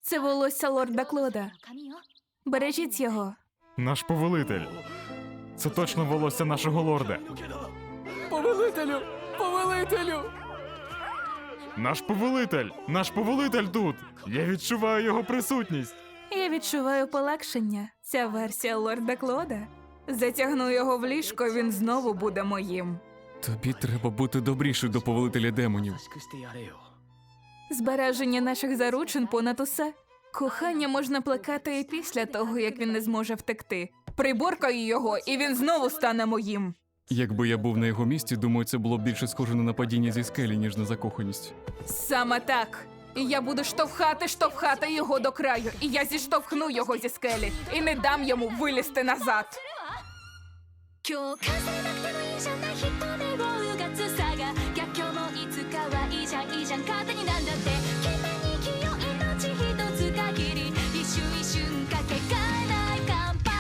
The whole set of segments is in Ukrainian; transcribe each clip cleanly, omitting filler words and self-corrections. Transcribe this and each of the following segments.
Це волосся лорда Клода. Бережіть його. Наш повелитель. Це точно волосся нашого лорда. Повелителю! Повелителю! Наш повелитель! Наш повелитель тут! Я відчуваю його присутність. Я відчуваю полегшення. Ця версія лорда Клода. Затягну його в ліжко, він знову буде моїм. Тобі треба бути добрішою до повелителя демонів. Збереження наших заручин понад усе. Кохання можна плекати і після того, як він не зможе втекти. Приборкаю його, і він знову стане моїм. Якби я був на його місці, думаю, це було б більше схоже на нападіння зі скелі, ніж на закоханість. Саме так. І я буду штовхати його до краю. І я зіштовхну його зі скелі. І не дам йому вилізти назад. 共感されなくてもいいじゃない人でをうがつさが逆境もいつかはいいじゃんいいじゃん勝手になんだって懸命に生きよう命一つ限り一瞬一瞬かけがえない乾杯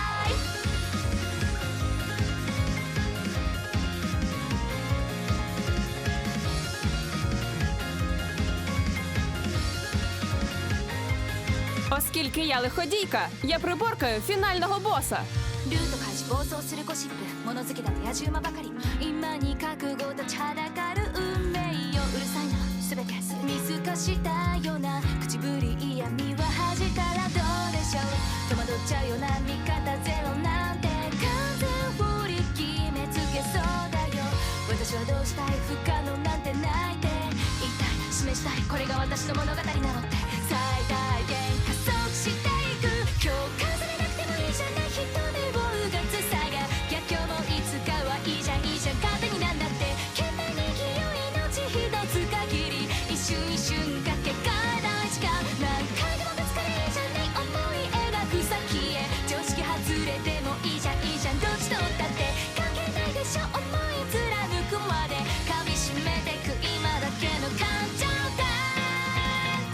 Оскільки я лиходійка, я приборкаю фінального боса. ルート開始暴走するゴシップ物好きだと野獣馬ばかり今に覚悟立ちはだかる運命ようるさいな全て見透かしたような口ぶり嫌味は恥じたらどうでしょう戸惑っちゃうような味方ゼロなんて完全振り決めつけそうだよ私はどうしたい不可能なんてないって言いたい示したいこれが私の物語なのって最大限加速していく共感されなくてもいいじゃない人でをうがつさが逆境もいつかはいいじゃんいいじゃん勝手になんだって懸命に生きよう命一つ限り一瞬一瞬かけがえない時間何回でもぶつかれいいじゃない思い描く先へ常識外れてもいいじゃんいいじゃんどっちとったって関係ないでしょ思い貫くまで噛みしめてく今だけの感情だって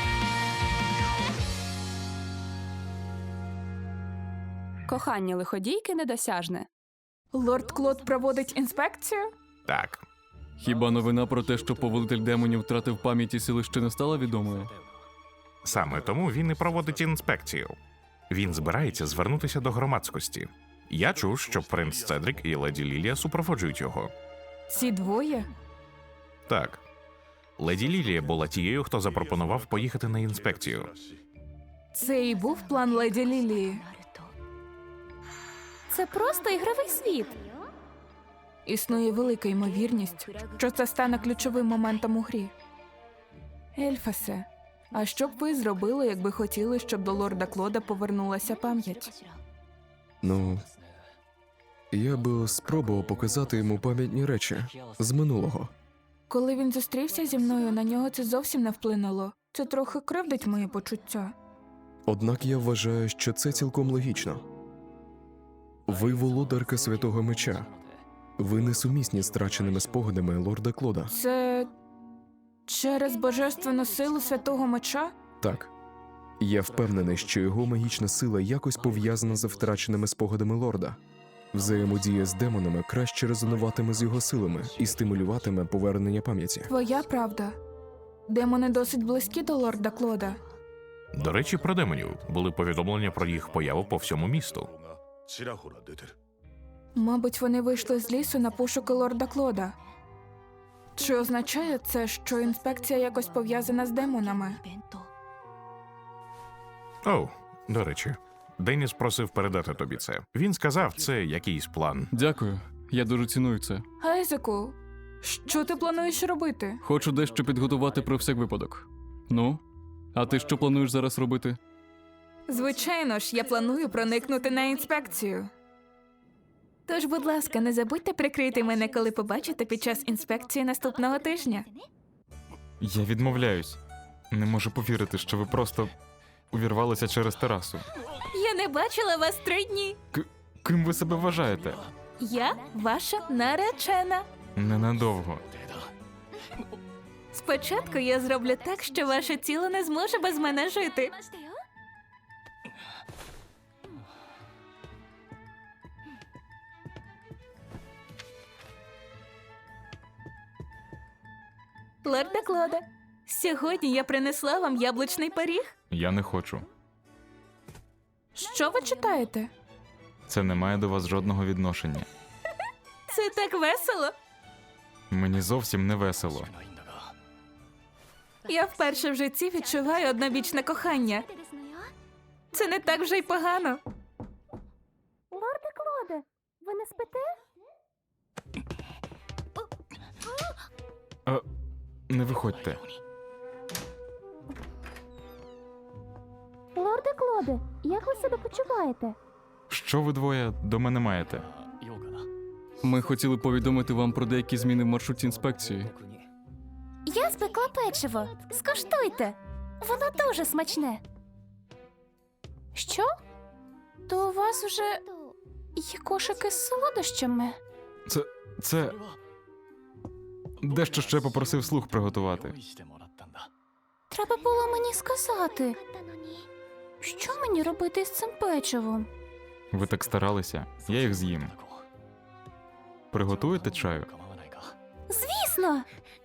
Кохання лиходійки недосяжне. Лорд Клод проводить інспекцію? Так. Хіба новина про те, що повелитель демонів втратив пам'ять і сили, ще не стала відомою? Саме тому він і проводить інспекцію. Він збирається звернутися до громадськості. Я чув, що принц Цедрік і леді Лілія супроводжують його. Ці двоє? Так. Леді Лілія була тією, хто запропонував поїхати на інспекцію. Це і був план леді Лілії. Це просто ігровий світ. Існує велика ймовірність, що це стане ключовим моментом у грі. Ельфасе, а що б ви зробили, якби хотіли, щоб до лорда Клода повернулася пам'ять? Ну, я би спробував показати йому пам'ятні речі з минулого. Коли він зустрівся зі мною, на нього це зовсім не вплинуло. Це трохи кривдить мої почуття. Однак я вважаю, що це цілком логічно. Ви володарка Святого Меча. Ви несумісні з втраченими спогадами лорда Клода. Це через божественну силу Святого Меча? Так. Я впевнений, що його магічна сила якось пов'язана з втраченими спогадами лорда. Взаємодія з демонами краще резонуватиме з його силами і стимулюватиме повернення пам'яті. Твоя правда. Демони досить близькі до лорда Клода. До речі, про демонів були повідомлення про їх появу по всьому місту. Мабуть, вони вийшли з лісу на пошуки лорда Клода. Чи означає це, що інспекція якось пов'язана з демонами? 弁当 Оу, до речі, Деніс просив передати тобі це. Він сказав, це якийсь план. Дякую, я дуже ціную це. Айзеку, що ти плануєш робити? Хочу дещо підготувати про всяк випадок. Ну, а ти що плануєш зараз робити? Звичайно ж, я планую проникнути на інспекцію. Тож, будь ласка, не забудьте прикрити мене, коли побачите під час інспекції наступного тижня. Я відмовляюсь. Не можу повірити, що ви просто увірвалися через терасу. Я не бачила вас 3 дні. Ким ви себе вважаєте? Я ваша наречена. Ненадовго. Спочатку я зроблю так, що ваше тіло не зможе без мене жити. ましたよ Лорда Клода, Сьогодні я принесла вам яблучний пиріг. Я не хочу. Що ви читаєте? Це не має до вас жодного відношення. Це так весело. Мені зовсім не весело. Я вперше в житті відчуваю однобічне кохання. Це не так вже й погано. Лорде Клоде, ви не спите? Не виходьте. Лорде Клоде, як ви себе почуваєте? Що ви двоє до мене маєте? Ми хотіли повідомити вам про деякі зміни в маршруті інспекції. Я спекла печиво. Скуштуйте. Воно дуже смачне. Що? То у вас уже є кошики з солодощами? Це... Дещо ще попросив слух приготувати. Треба було мені сказати. Що мені робити з цим печивом? Ви так старалися, я їх з'їм. Приготуєте чаю? Звісно!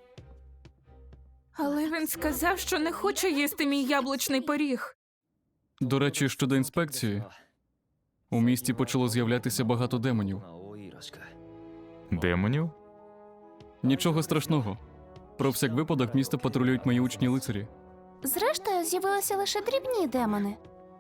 Але він сказав, що не хоче їсти мій яблучний пиріг. До речі, щодо інспекції, у місті почало з'являтися багато демонів. Демонів? Нічого страшного. Про всяк випадок місто патрулюють мої учні лицарі. Зрештою, з'явилися лише дрібні демони.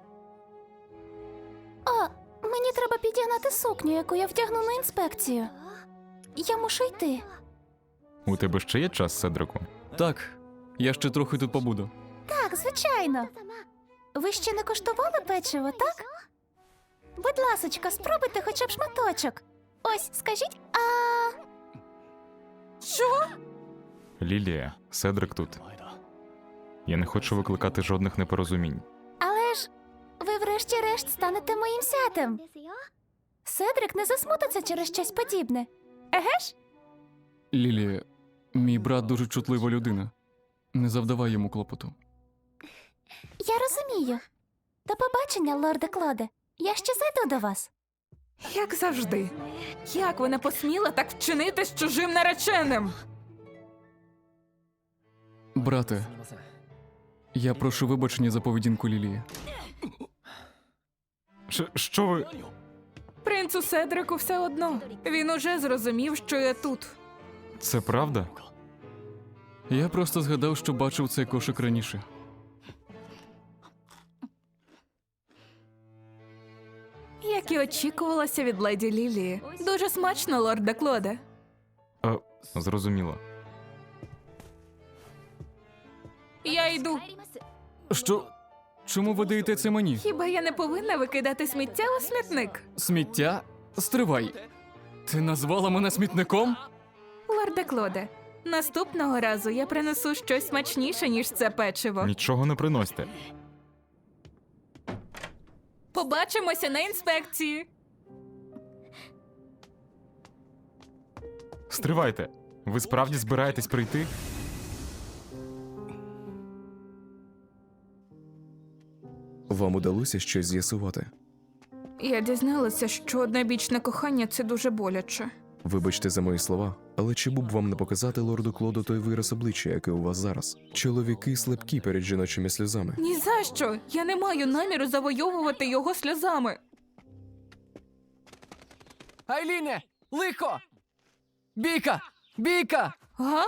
О, мені треба підігнати сукню, яку я вдягну на інспекцію. Я мушу йти. У тебе ще є час, Седрику? Так, я ще трохи тут побуду. Так, звичайно. Ви ще не коштували печиво, так? Будь ласочка, спробуйте хоча б шматочок. Ось, скажіть, Що? Лілія, Седрик тут. Я не хочу викликати жодних непорозумінь. але ж ви врешті-решт станете моїм зятем. Седрик не засмутиться через щось подібне. Еге ж? Лілія, мій брат дуже чутлива людина. Не завдавай йому клопоту. Я розумію. До побачення, лорде Клоде. Я ще зайду до вас. Як завжди. Як ви не посміла так вчинити з чужим нареченим? Брате, я прошу вибачення за поведінку Лілії. Що ви... Принцу Седрику все одно. Він уже зрозумів, що я тут. Це правда? Я просто згадав, що бачив цей кошик раніше. Як і очікувалося від леді Лілії. Дуже смачно, лорде Клоде. Зрозуміло. Я йду. Що? Чому ви даєте це мені? Хіба я не повинна викидати сміття у смітник? Сміття? Стривай. Ти назвала мене смітником? Лорде Клоде, наступного разу я принесу щось смачніше, ніж це печиво. Нічого не приносьте. Побачимося на інспекції. Стривайте. Ви справді збираєтесь прийти? Вам удалося щось з'ясувати? Я дізналася, що однобічне кохання – це дуже боляче. Вибачте за мої слова, але чи б вам не показати лорду Клоду той вираз обличчя, який у вас зараз? Чоловіки слабкі перед жіночими сльозами. Ні за що! Я не маю наміру завойовувати його сльозами. Айліне! Лихо! Бійка! Бійка! Га?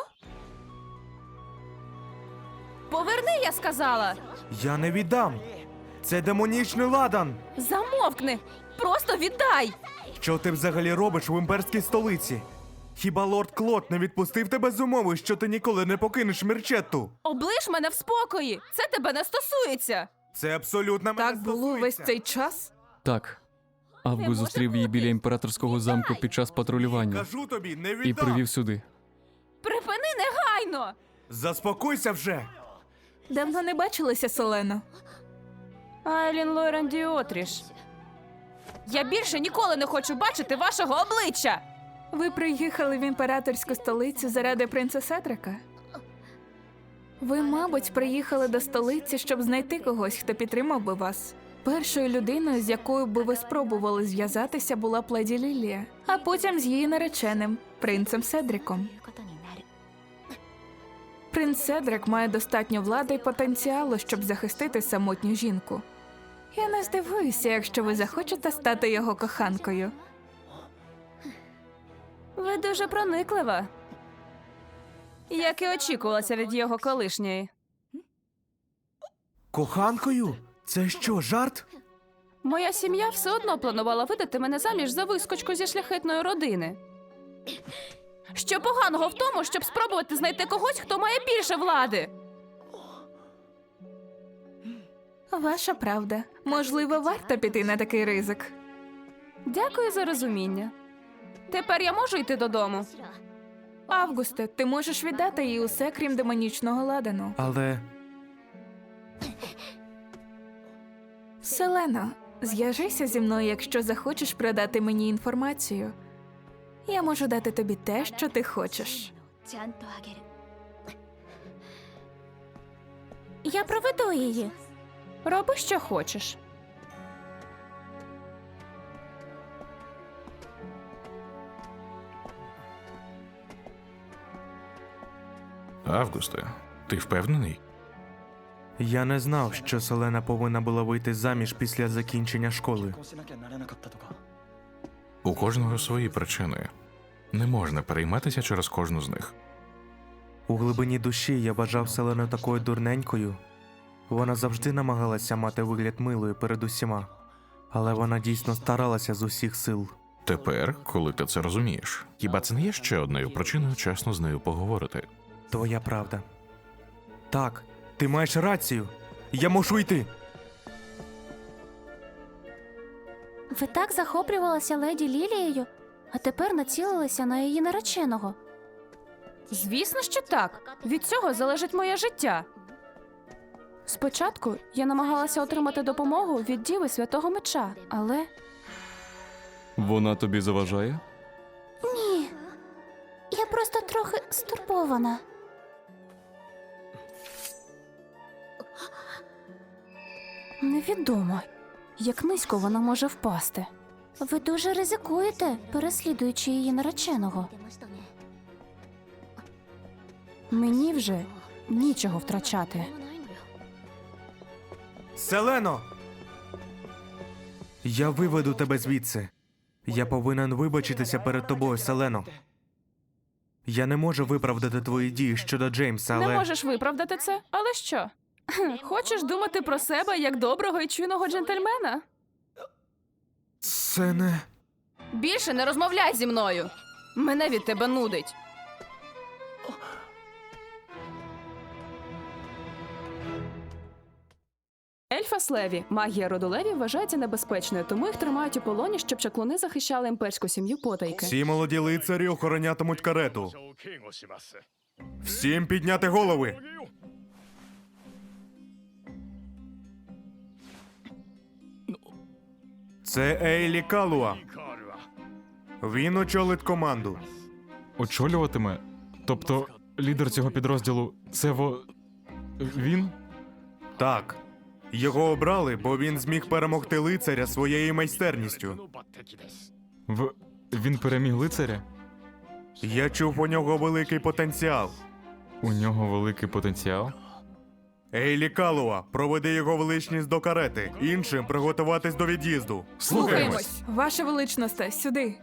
Поверни, я сказала! Я не віддам. Це демонічний ладан. Замовкни! Просто віддай! Що ти взагалі робиш в імперській столиці? Хіба лорд Клод не відпустив тебе з умови, що ти ніколи не покинеш Мірчетту? Облиш мене в спокої! Це тебе не стосується! Це абсолютно мене Так було весь стосується. цей час? Так. Август зустрів її біля імператорського замку під час патрулювання Кажу тобі, не і віддам. привів сюди. Припини негайно! Заспокойся вже. Давно не бачилися, Селено. Айлін Лорен Діотріш. Я більше ніколи не хочу бачити вашого обличчя! Ви приїхали в імператорську столицю заради принца Седрика? Ви, мабуть, приїхали до столиці, щоб знайти когось, хто підтримав би вас. Першою людиною, з якою би ви спробували зв'язатися, була б леді Лілія, а потім з її нареченим, принцем Седриком. Принц Седрик має достатньо влади і потенціалу, щоб захистити самотню жінку. Я не здивуюся, якщо ви захочете стати його коханкою. Ви дуже прониклива. Як і очікувалося від його колишньої. Коханкою? Це що, жарт? Моя сім'я все одно планувала видати мене заміж за вискочку зі шляхетної родини. Що поганого в тому, щоб спробувати знайти когось, хто має більше влади? Ваша правда. Можливо, варто піти на такий ризик. Дякую за розуміння. Тепер я можу йти додому? Августе, ти можеш віддати їй усе, крім демонічного ладану. Але Селено, зв'яжися зі мною, якщо захочеш продати мені інформацію. Я можу дати тобі те, що ти хочеш. ちゃんとあげる Я проведу її. Роби, що хочеш. Августе, ти впевнений? я не знав, що Селена повинна була вийти заміж після закінчення школи. У кожного свої причини. Не можна перейматися через кожну з них. У глибині душі я вважав Селену такою дурненькою. Вона завжди намагалася мати вигляд милою перед усіма. Але вона дійсно старалася з усіх сил. Тепер, коли ти це розумієш, хіба це не є ще одною причиною чесно з нею поговорити? Твоя правда. Так, ти маєш рацію. Я мушу йти. Ви так захоплювалися леді Лілією, а тепер націлилися на її нареченого. Звісно, що так. Від цього залежить моє життя. Спочатку я намагалася отримати допомогу від Діви Святого Меча, але Вона тобі заважає? Ні. Я просто трохи стурбована. невідомо, як низько вона може впасти. Ви дуже ризикуєте, переслідуючи її нареченого. 出ましたね Мені вже нічого втрачати. ないのよ Селено! Я виведу тебе звідси. Я повинен вибачитися перед тобою, Селено. Я не можу виправдати твої дії щодо Джеймса, але... Не можеш виправдати це, але що? Хочеш думати про себе як доброго і чуйного джентльмена? Це не... Більше не розмовляй зі мною. Мене від тебе нудить. Ельфас Леві, магія роду Леві, вважається небезпечною, тому їх тримають у полоні, щоб чаклуни захищали імперську сім'ю потайки. Всі молоді лицарі охоронятимуть карету. Всім підняти голови! Це Ейлі Калуа. Він очолить команду. Очолюватиме? Тобто лідер цього підрозділу це він? Так. Його обрали, бо він зміг перемогти лицаря своєю майстерністю. Він переміг лицаря? Я чув у нього великий потенціал. У нього великий потенціал? Ейлі Калуа, проведи його величність до карети. Іншим приготуватись до від'їзду. Слухаємось! Ваша величність, сюди.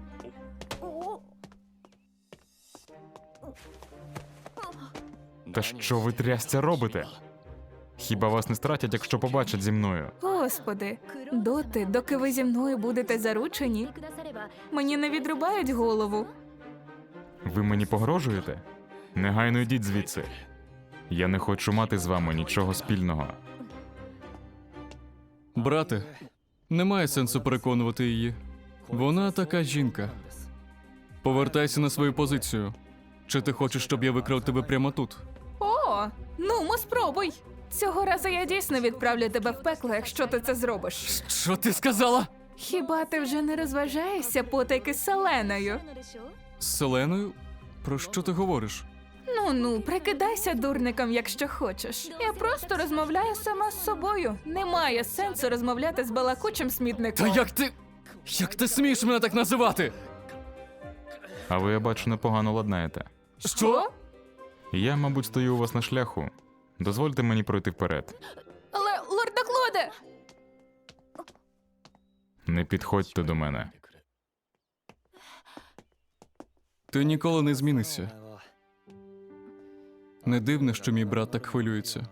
Та що ви трясця робите? Хіба вас не стратять, якщо побачать зі мною? Господи, доти, доки ви зі мною будете заручені, くだされば мені не відрубають голову. Ви мені погрожуєте? Негайно йдіть звідси. Я не хочу мати з вами нічого спільного. Брате, немає сенсу переконувати її. Вона така жінка. Повертайся на свою позицію. Чи ти хочеш, щоб я викрав тебе прямо тут? О, ну, спробуй. Цього разу я дійсно відправлю тебе в пекло, якщо ти це зробиш. Що ти сказала? Хіба ти вже не розважаєшся потайки з Селеною? のでしょ З Селеною? Про що ти говориш? Ну, прикидайся дурником, якщо хочеш. Я просто розмовляю сама з собою. Немає сенсу розмовляти з балакучим смітником. Та як ти. Як ти смієш мене так називати? А ви, я бачу, непогано ладнаєте. Що? Я, мабуть, стою у вас на шляху. Дозвольте мені пройти вперед. Але, лорда Клоде! Не підходьте до мене. Ти ніколи не змінишся. Не дивно, що мій брат так хвилюється.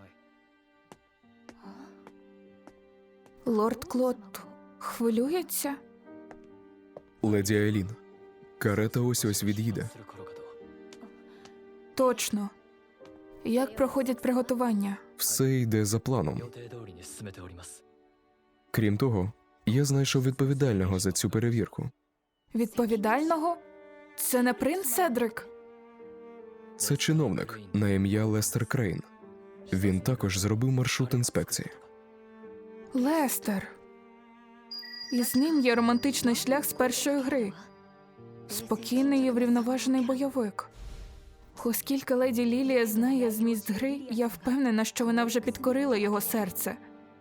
Лорд Клод хвилюється? Леді Айлін, карета ось-ось від'їде. Точно. Як проходять приготування? Все йде за планом. Крім того, я знайшов відповідального за цю перевірку. Відповідального? Це не принц Седрик? Це чиновник на ім'я Лестер Крейн. Він також зробив маршрут інспекції. Лестер. І з ним є романтичний шлях з першої гри. Спокійний і врівноважений бойовик. Оскільки леді Лілія знає зміст гри, я впевнена, що вона вже підкорила його серце.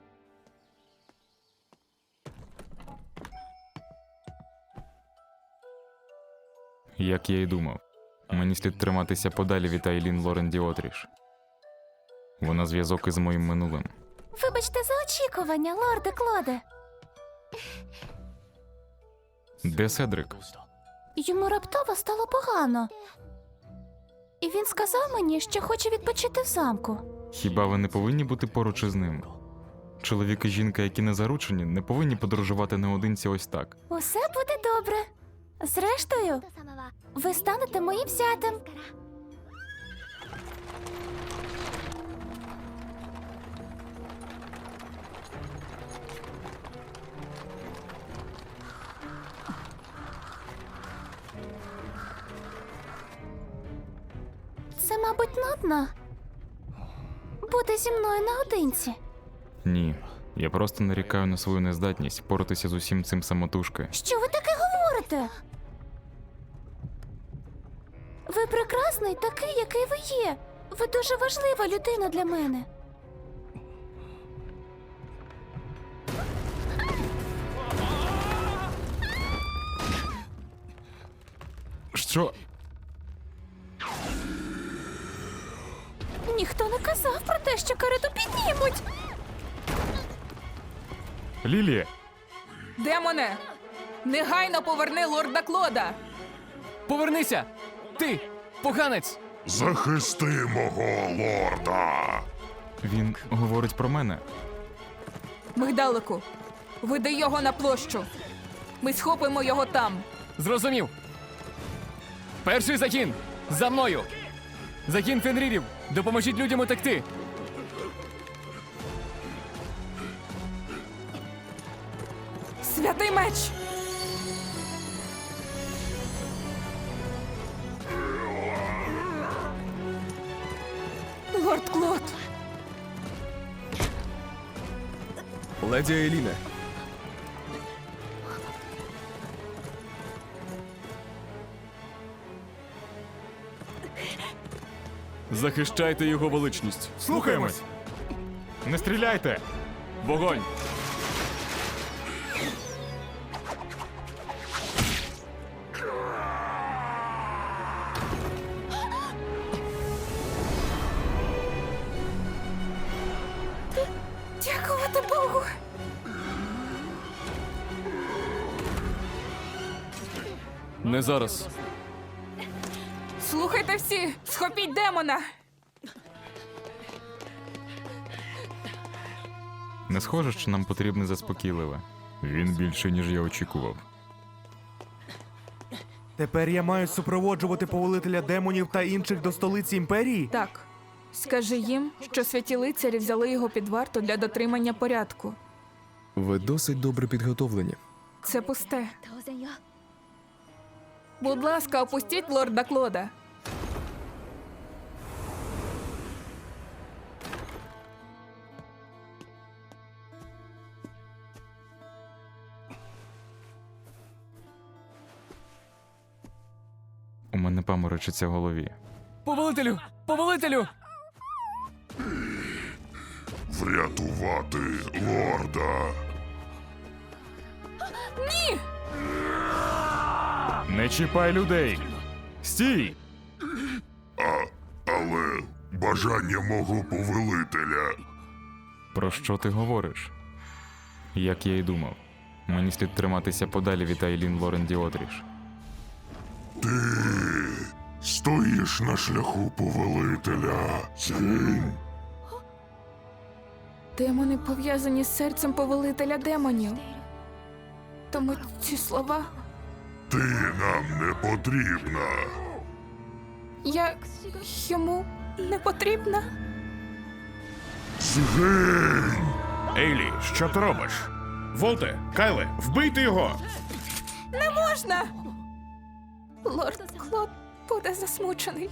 Як я й думав, мені слід триматися подалі від Айлін Лорен Діотріш. Вона зв'язок із моїм минулим. Вибачте за очікування, лорде Клоде. Де Седрик? Йому раптово стало погано. І він сказав мені, що хоче відпочити в замку. Хіба ви не повинні бути поруч із ним? Чоловік і жінка, які не заручені, не повинні подорожувати наодинці ось так. Усе буде добре. Зрештою, ви станете моїм зятем. Це, мабуть, нудно. Бути зі мною наодинці. Ні, я просто нарікаю на свою нездатність впоратися з усім цим самотужки. Що ви таке говорите? Ви прекрасний такий, який ви є. Ви дуже важлива людина для мене. Що? Ніхто не казав про те, що карету піднімуть. Лілія! Демоне! Негайно поверни лорда Клода! Повернися! Ти, поганець! Захисти мого лорда! Він говорить про мене. Мигдалику, веди його на площу. Ми схопимо його там. Зрозумів. Перший загін! За мною! Загін Фенрірів! Допоможіть людям утекти! Святий меч! Лорд Клод! Леді Айліне, Захищайте його величність. Слухаємось! Не стріляйте! Вогонь! Дякувати Богу! Не зараз. Слухайте всі! Схопіть демона! Не схоже, що нам потрібне заспокійливе. Він більше, ніж я очікував. Тепер я маю супроводжувати повелителя демонів та інших до столиці імперії? Так, скажи їм, що святі лицарі взяли його під варту для дотримання порядку. ви досить добре підготовлені. Це пусте. 当然よ Будь ласка, опустіть лорда Клода. У мене паморочиться в голові. Повелителю! Повелителю! Врятувати лорда. Не чіпай людей! Стій! Але бажання мого повелителя. Про що ти говориш? Як я й думав, мені слід триматися подалі від Айлін Лорен Діотріш. Ти стоїш на шляху повелителя. Згинь. Демони пов'язані з серцем повелителя демонів. Тому ці слова. Ти нам не потрібна. Я йому не потрібна? Згинь! Ейлі, що ти робиш? Волте, Кайле, вбийте його! Не можна! Лорд Клод буде засмучений.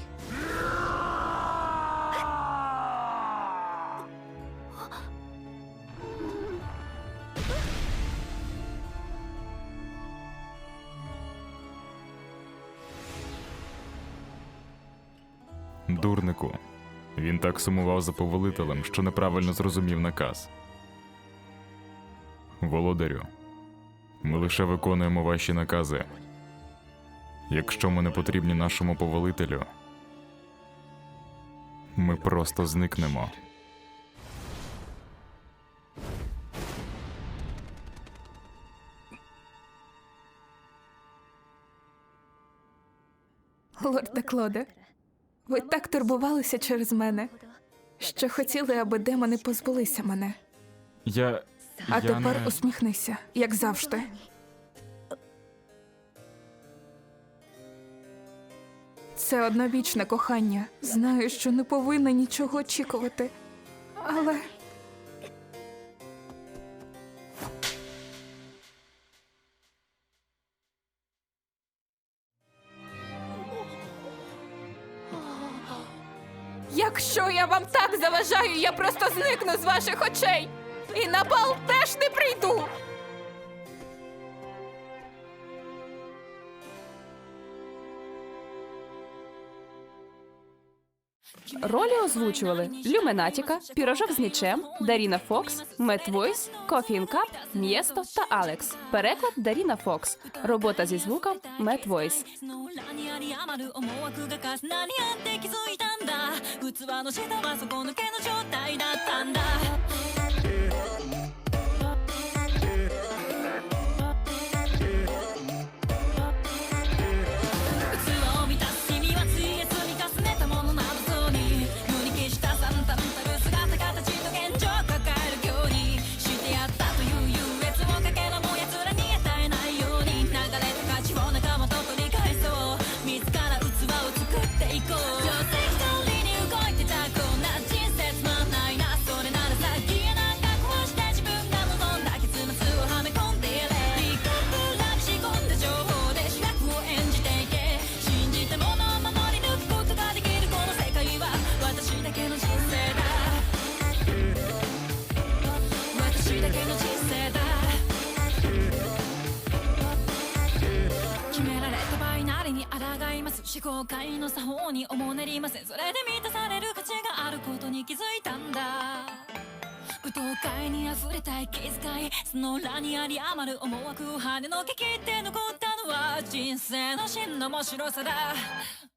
Дурнику. Він так сумував за повелителем, що неправильно зрозумів наказ. Володарю, ми лише виконуємо ваші накази. Якщо ми не потрібні нашому повелителю, ми просто зникнемо. Лорде Клоде, ви так турбувалися через мене, що хотіли, аби демони позбулися мене. А тепер усміхнися, як завжди. Це одновічне кохання. Знаю, що не повинна нічого очікувати. Але якщо я вам так заважаю, я просто зникну з ваших очей. І на бал теж не прийду. Ролі озвучували Люменатіка, Пірожок з мічем, Даріна Фокс, Мет Войс, Кофі Кап, М'єсто та Алекс. Переклад Даріна Фокс. Робота зі звуком Мет Войс. の裏にあり余る思惑が重なり合って気づいたんだ器の下は底抜けの状態だったんだ器を満たす君はついえ積み重ねたものなどそうに無に消した惨憺たる姿形と現状を抱えるようにしてやったという優越をかけらも奴らに与えないように流れた価値を仲間と取り返そう自ら器を作っていこう定石通りに動いてたこんな人生つまんないなそれならさ消えなんか壊して自分が望んだ結末をはめ込んでやれ理覚らに仕込んだ情報で主役を演じていけ信じたものを守り抜くことができるこの世界は私だけの人生だ私だけの人生だ決められたバイナリに抗います思考界の作法におもねりませんそれで満たされる価値があることに気づいたんだ舞踏会に溢れた息遣いその裏にあり余る思惑を跳ねのけ切って残ったのは人生の真の面白さだ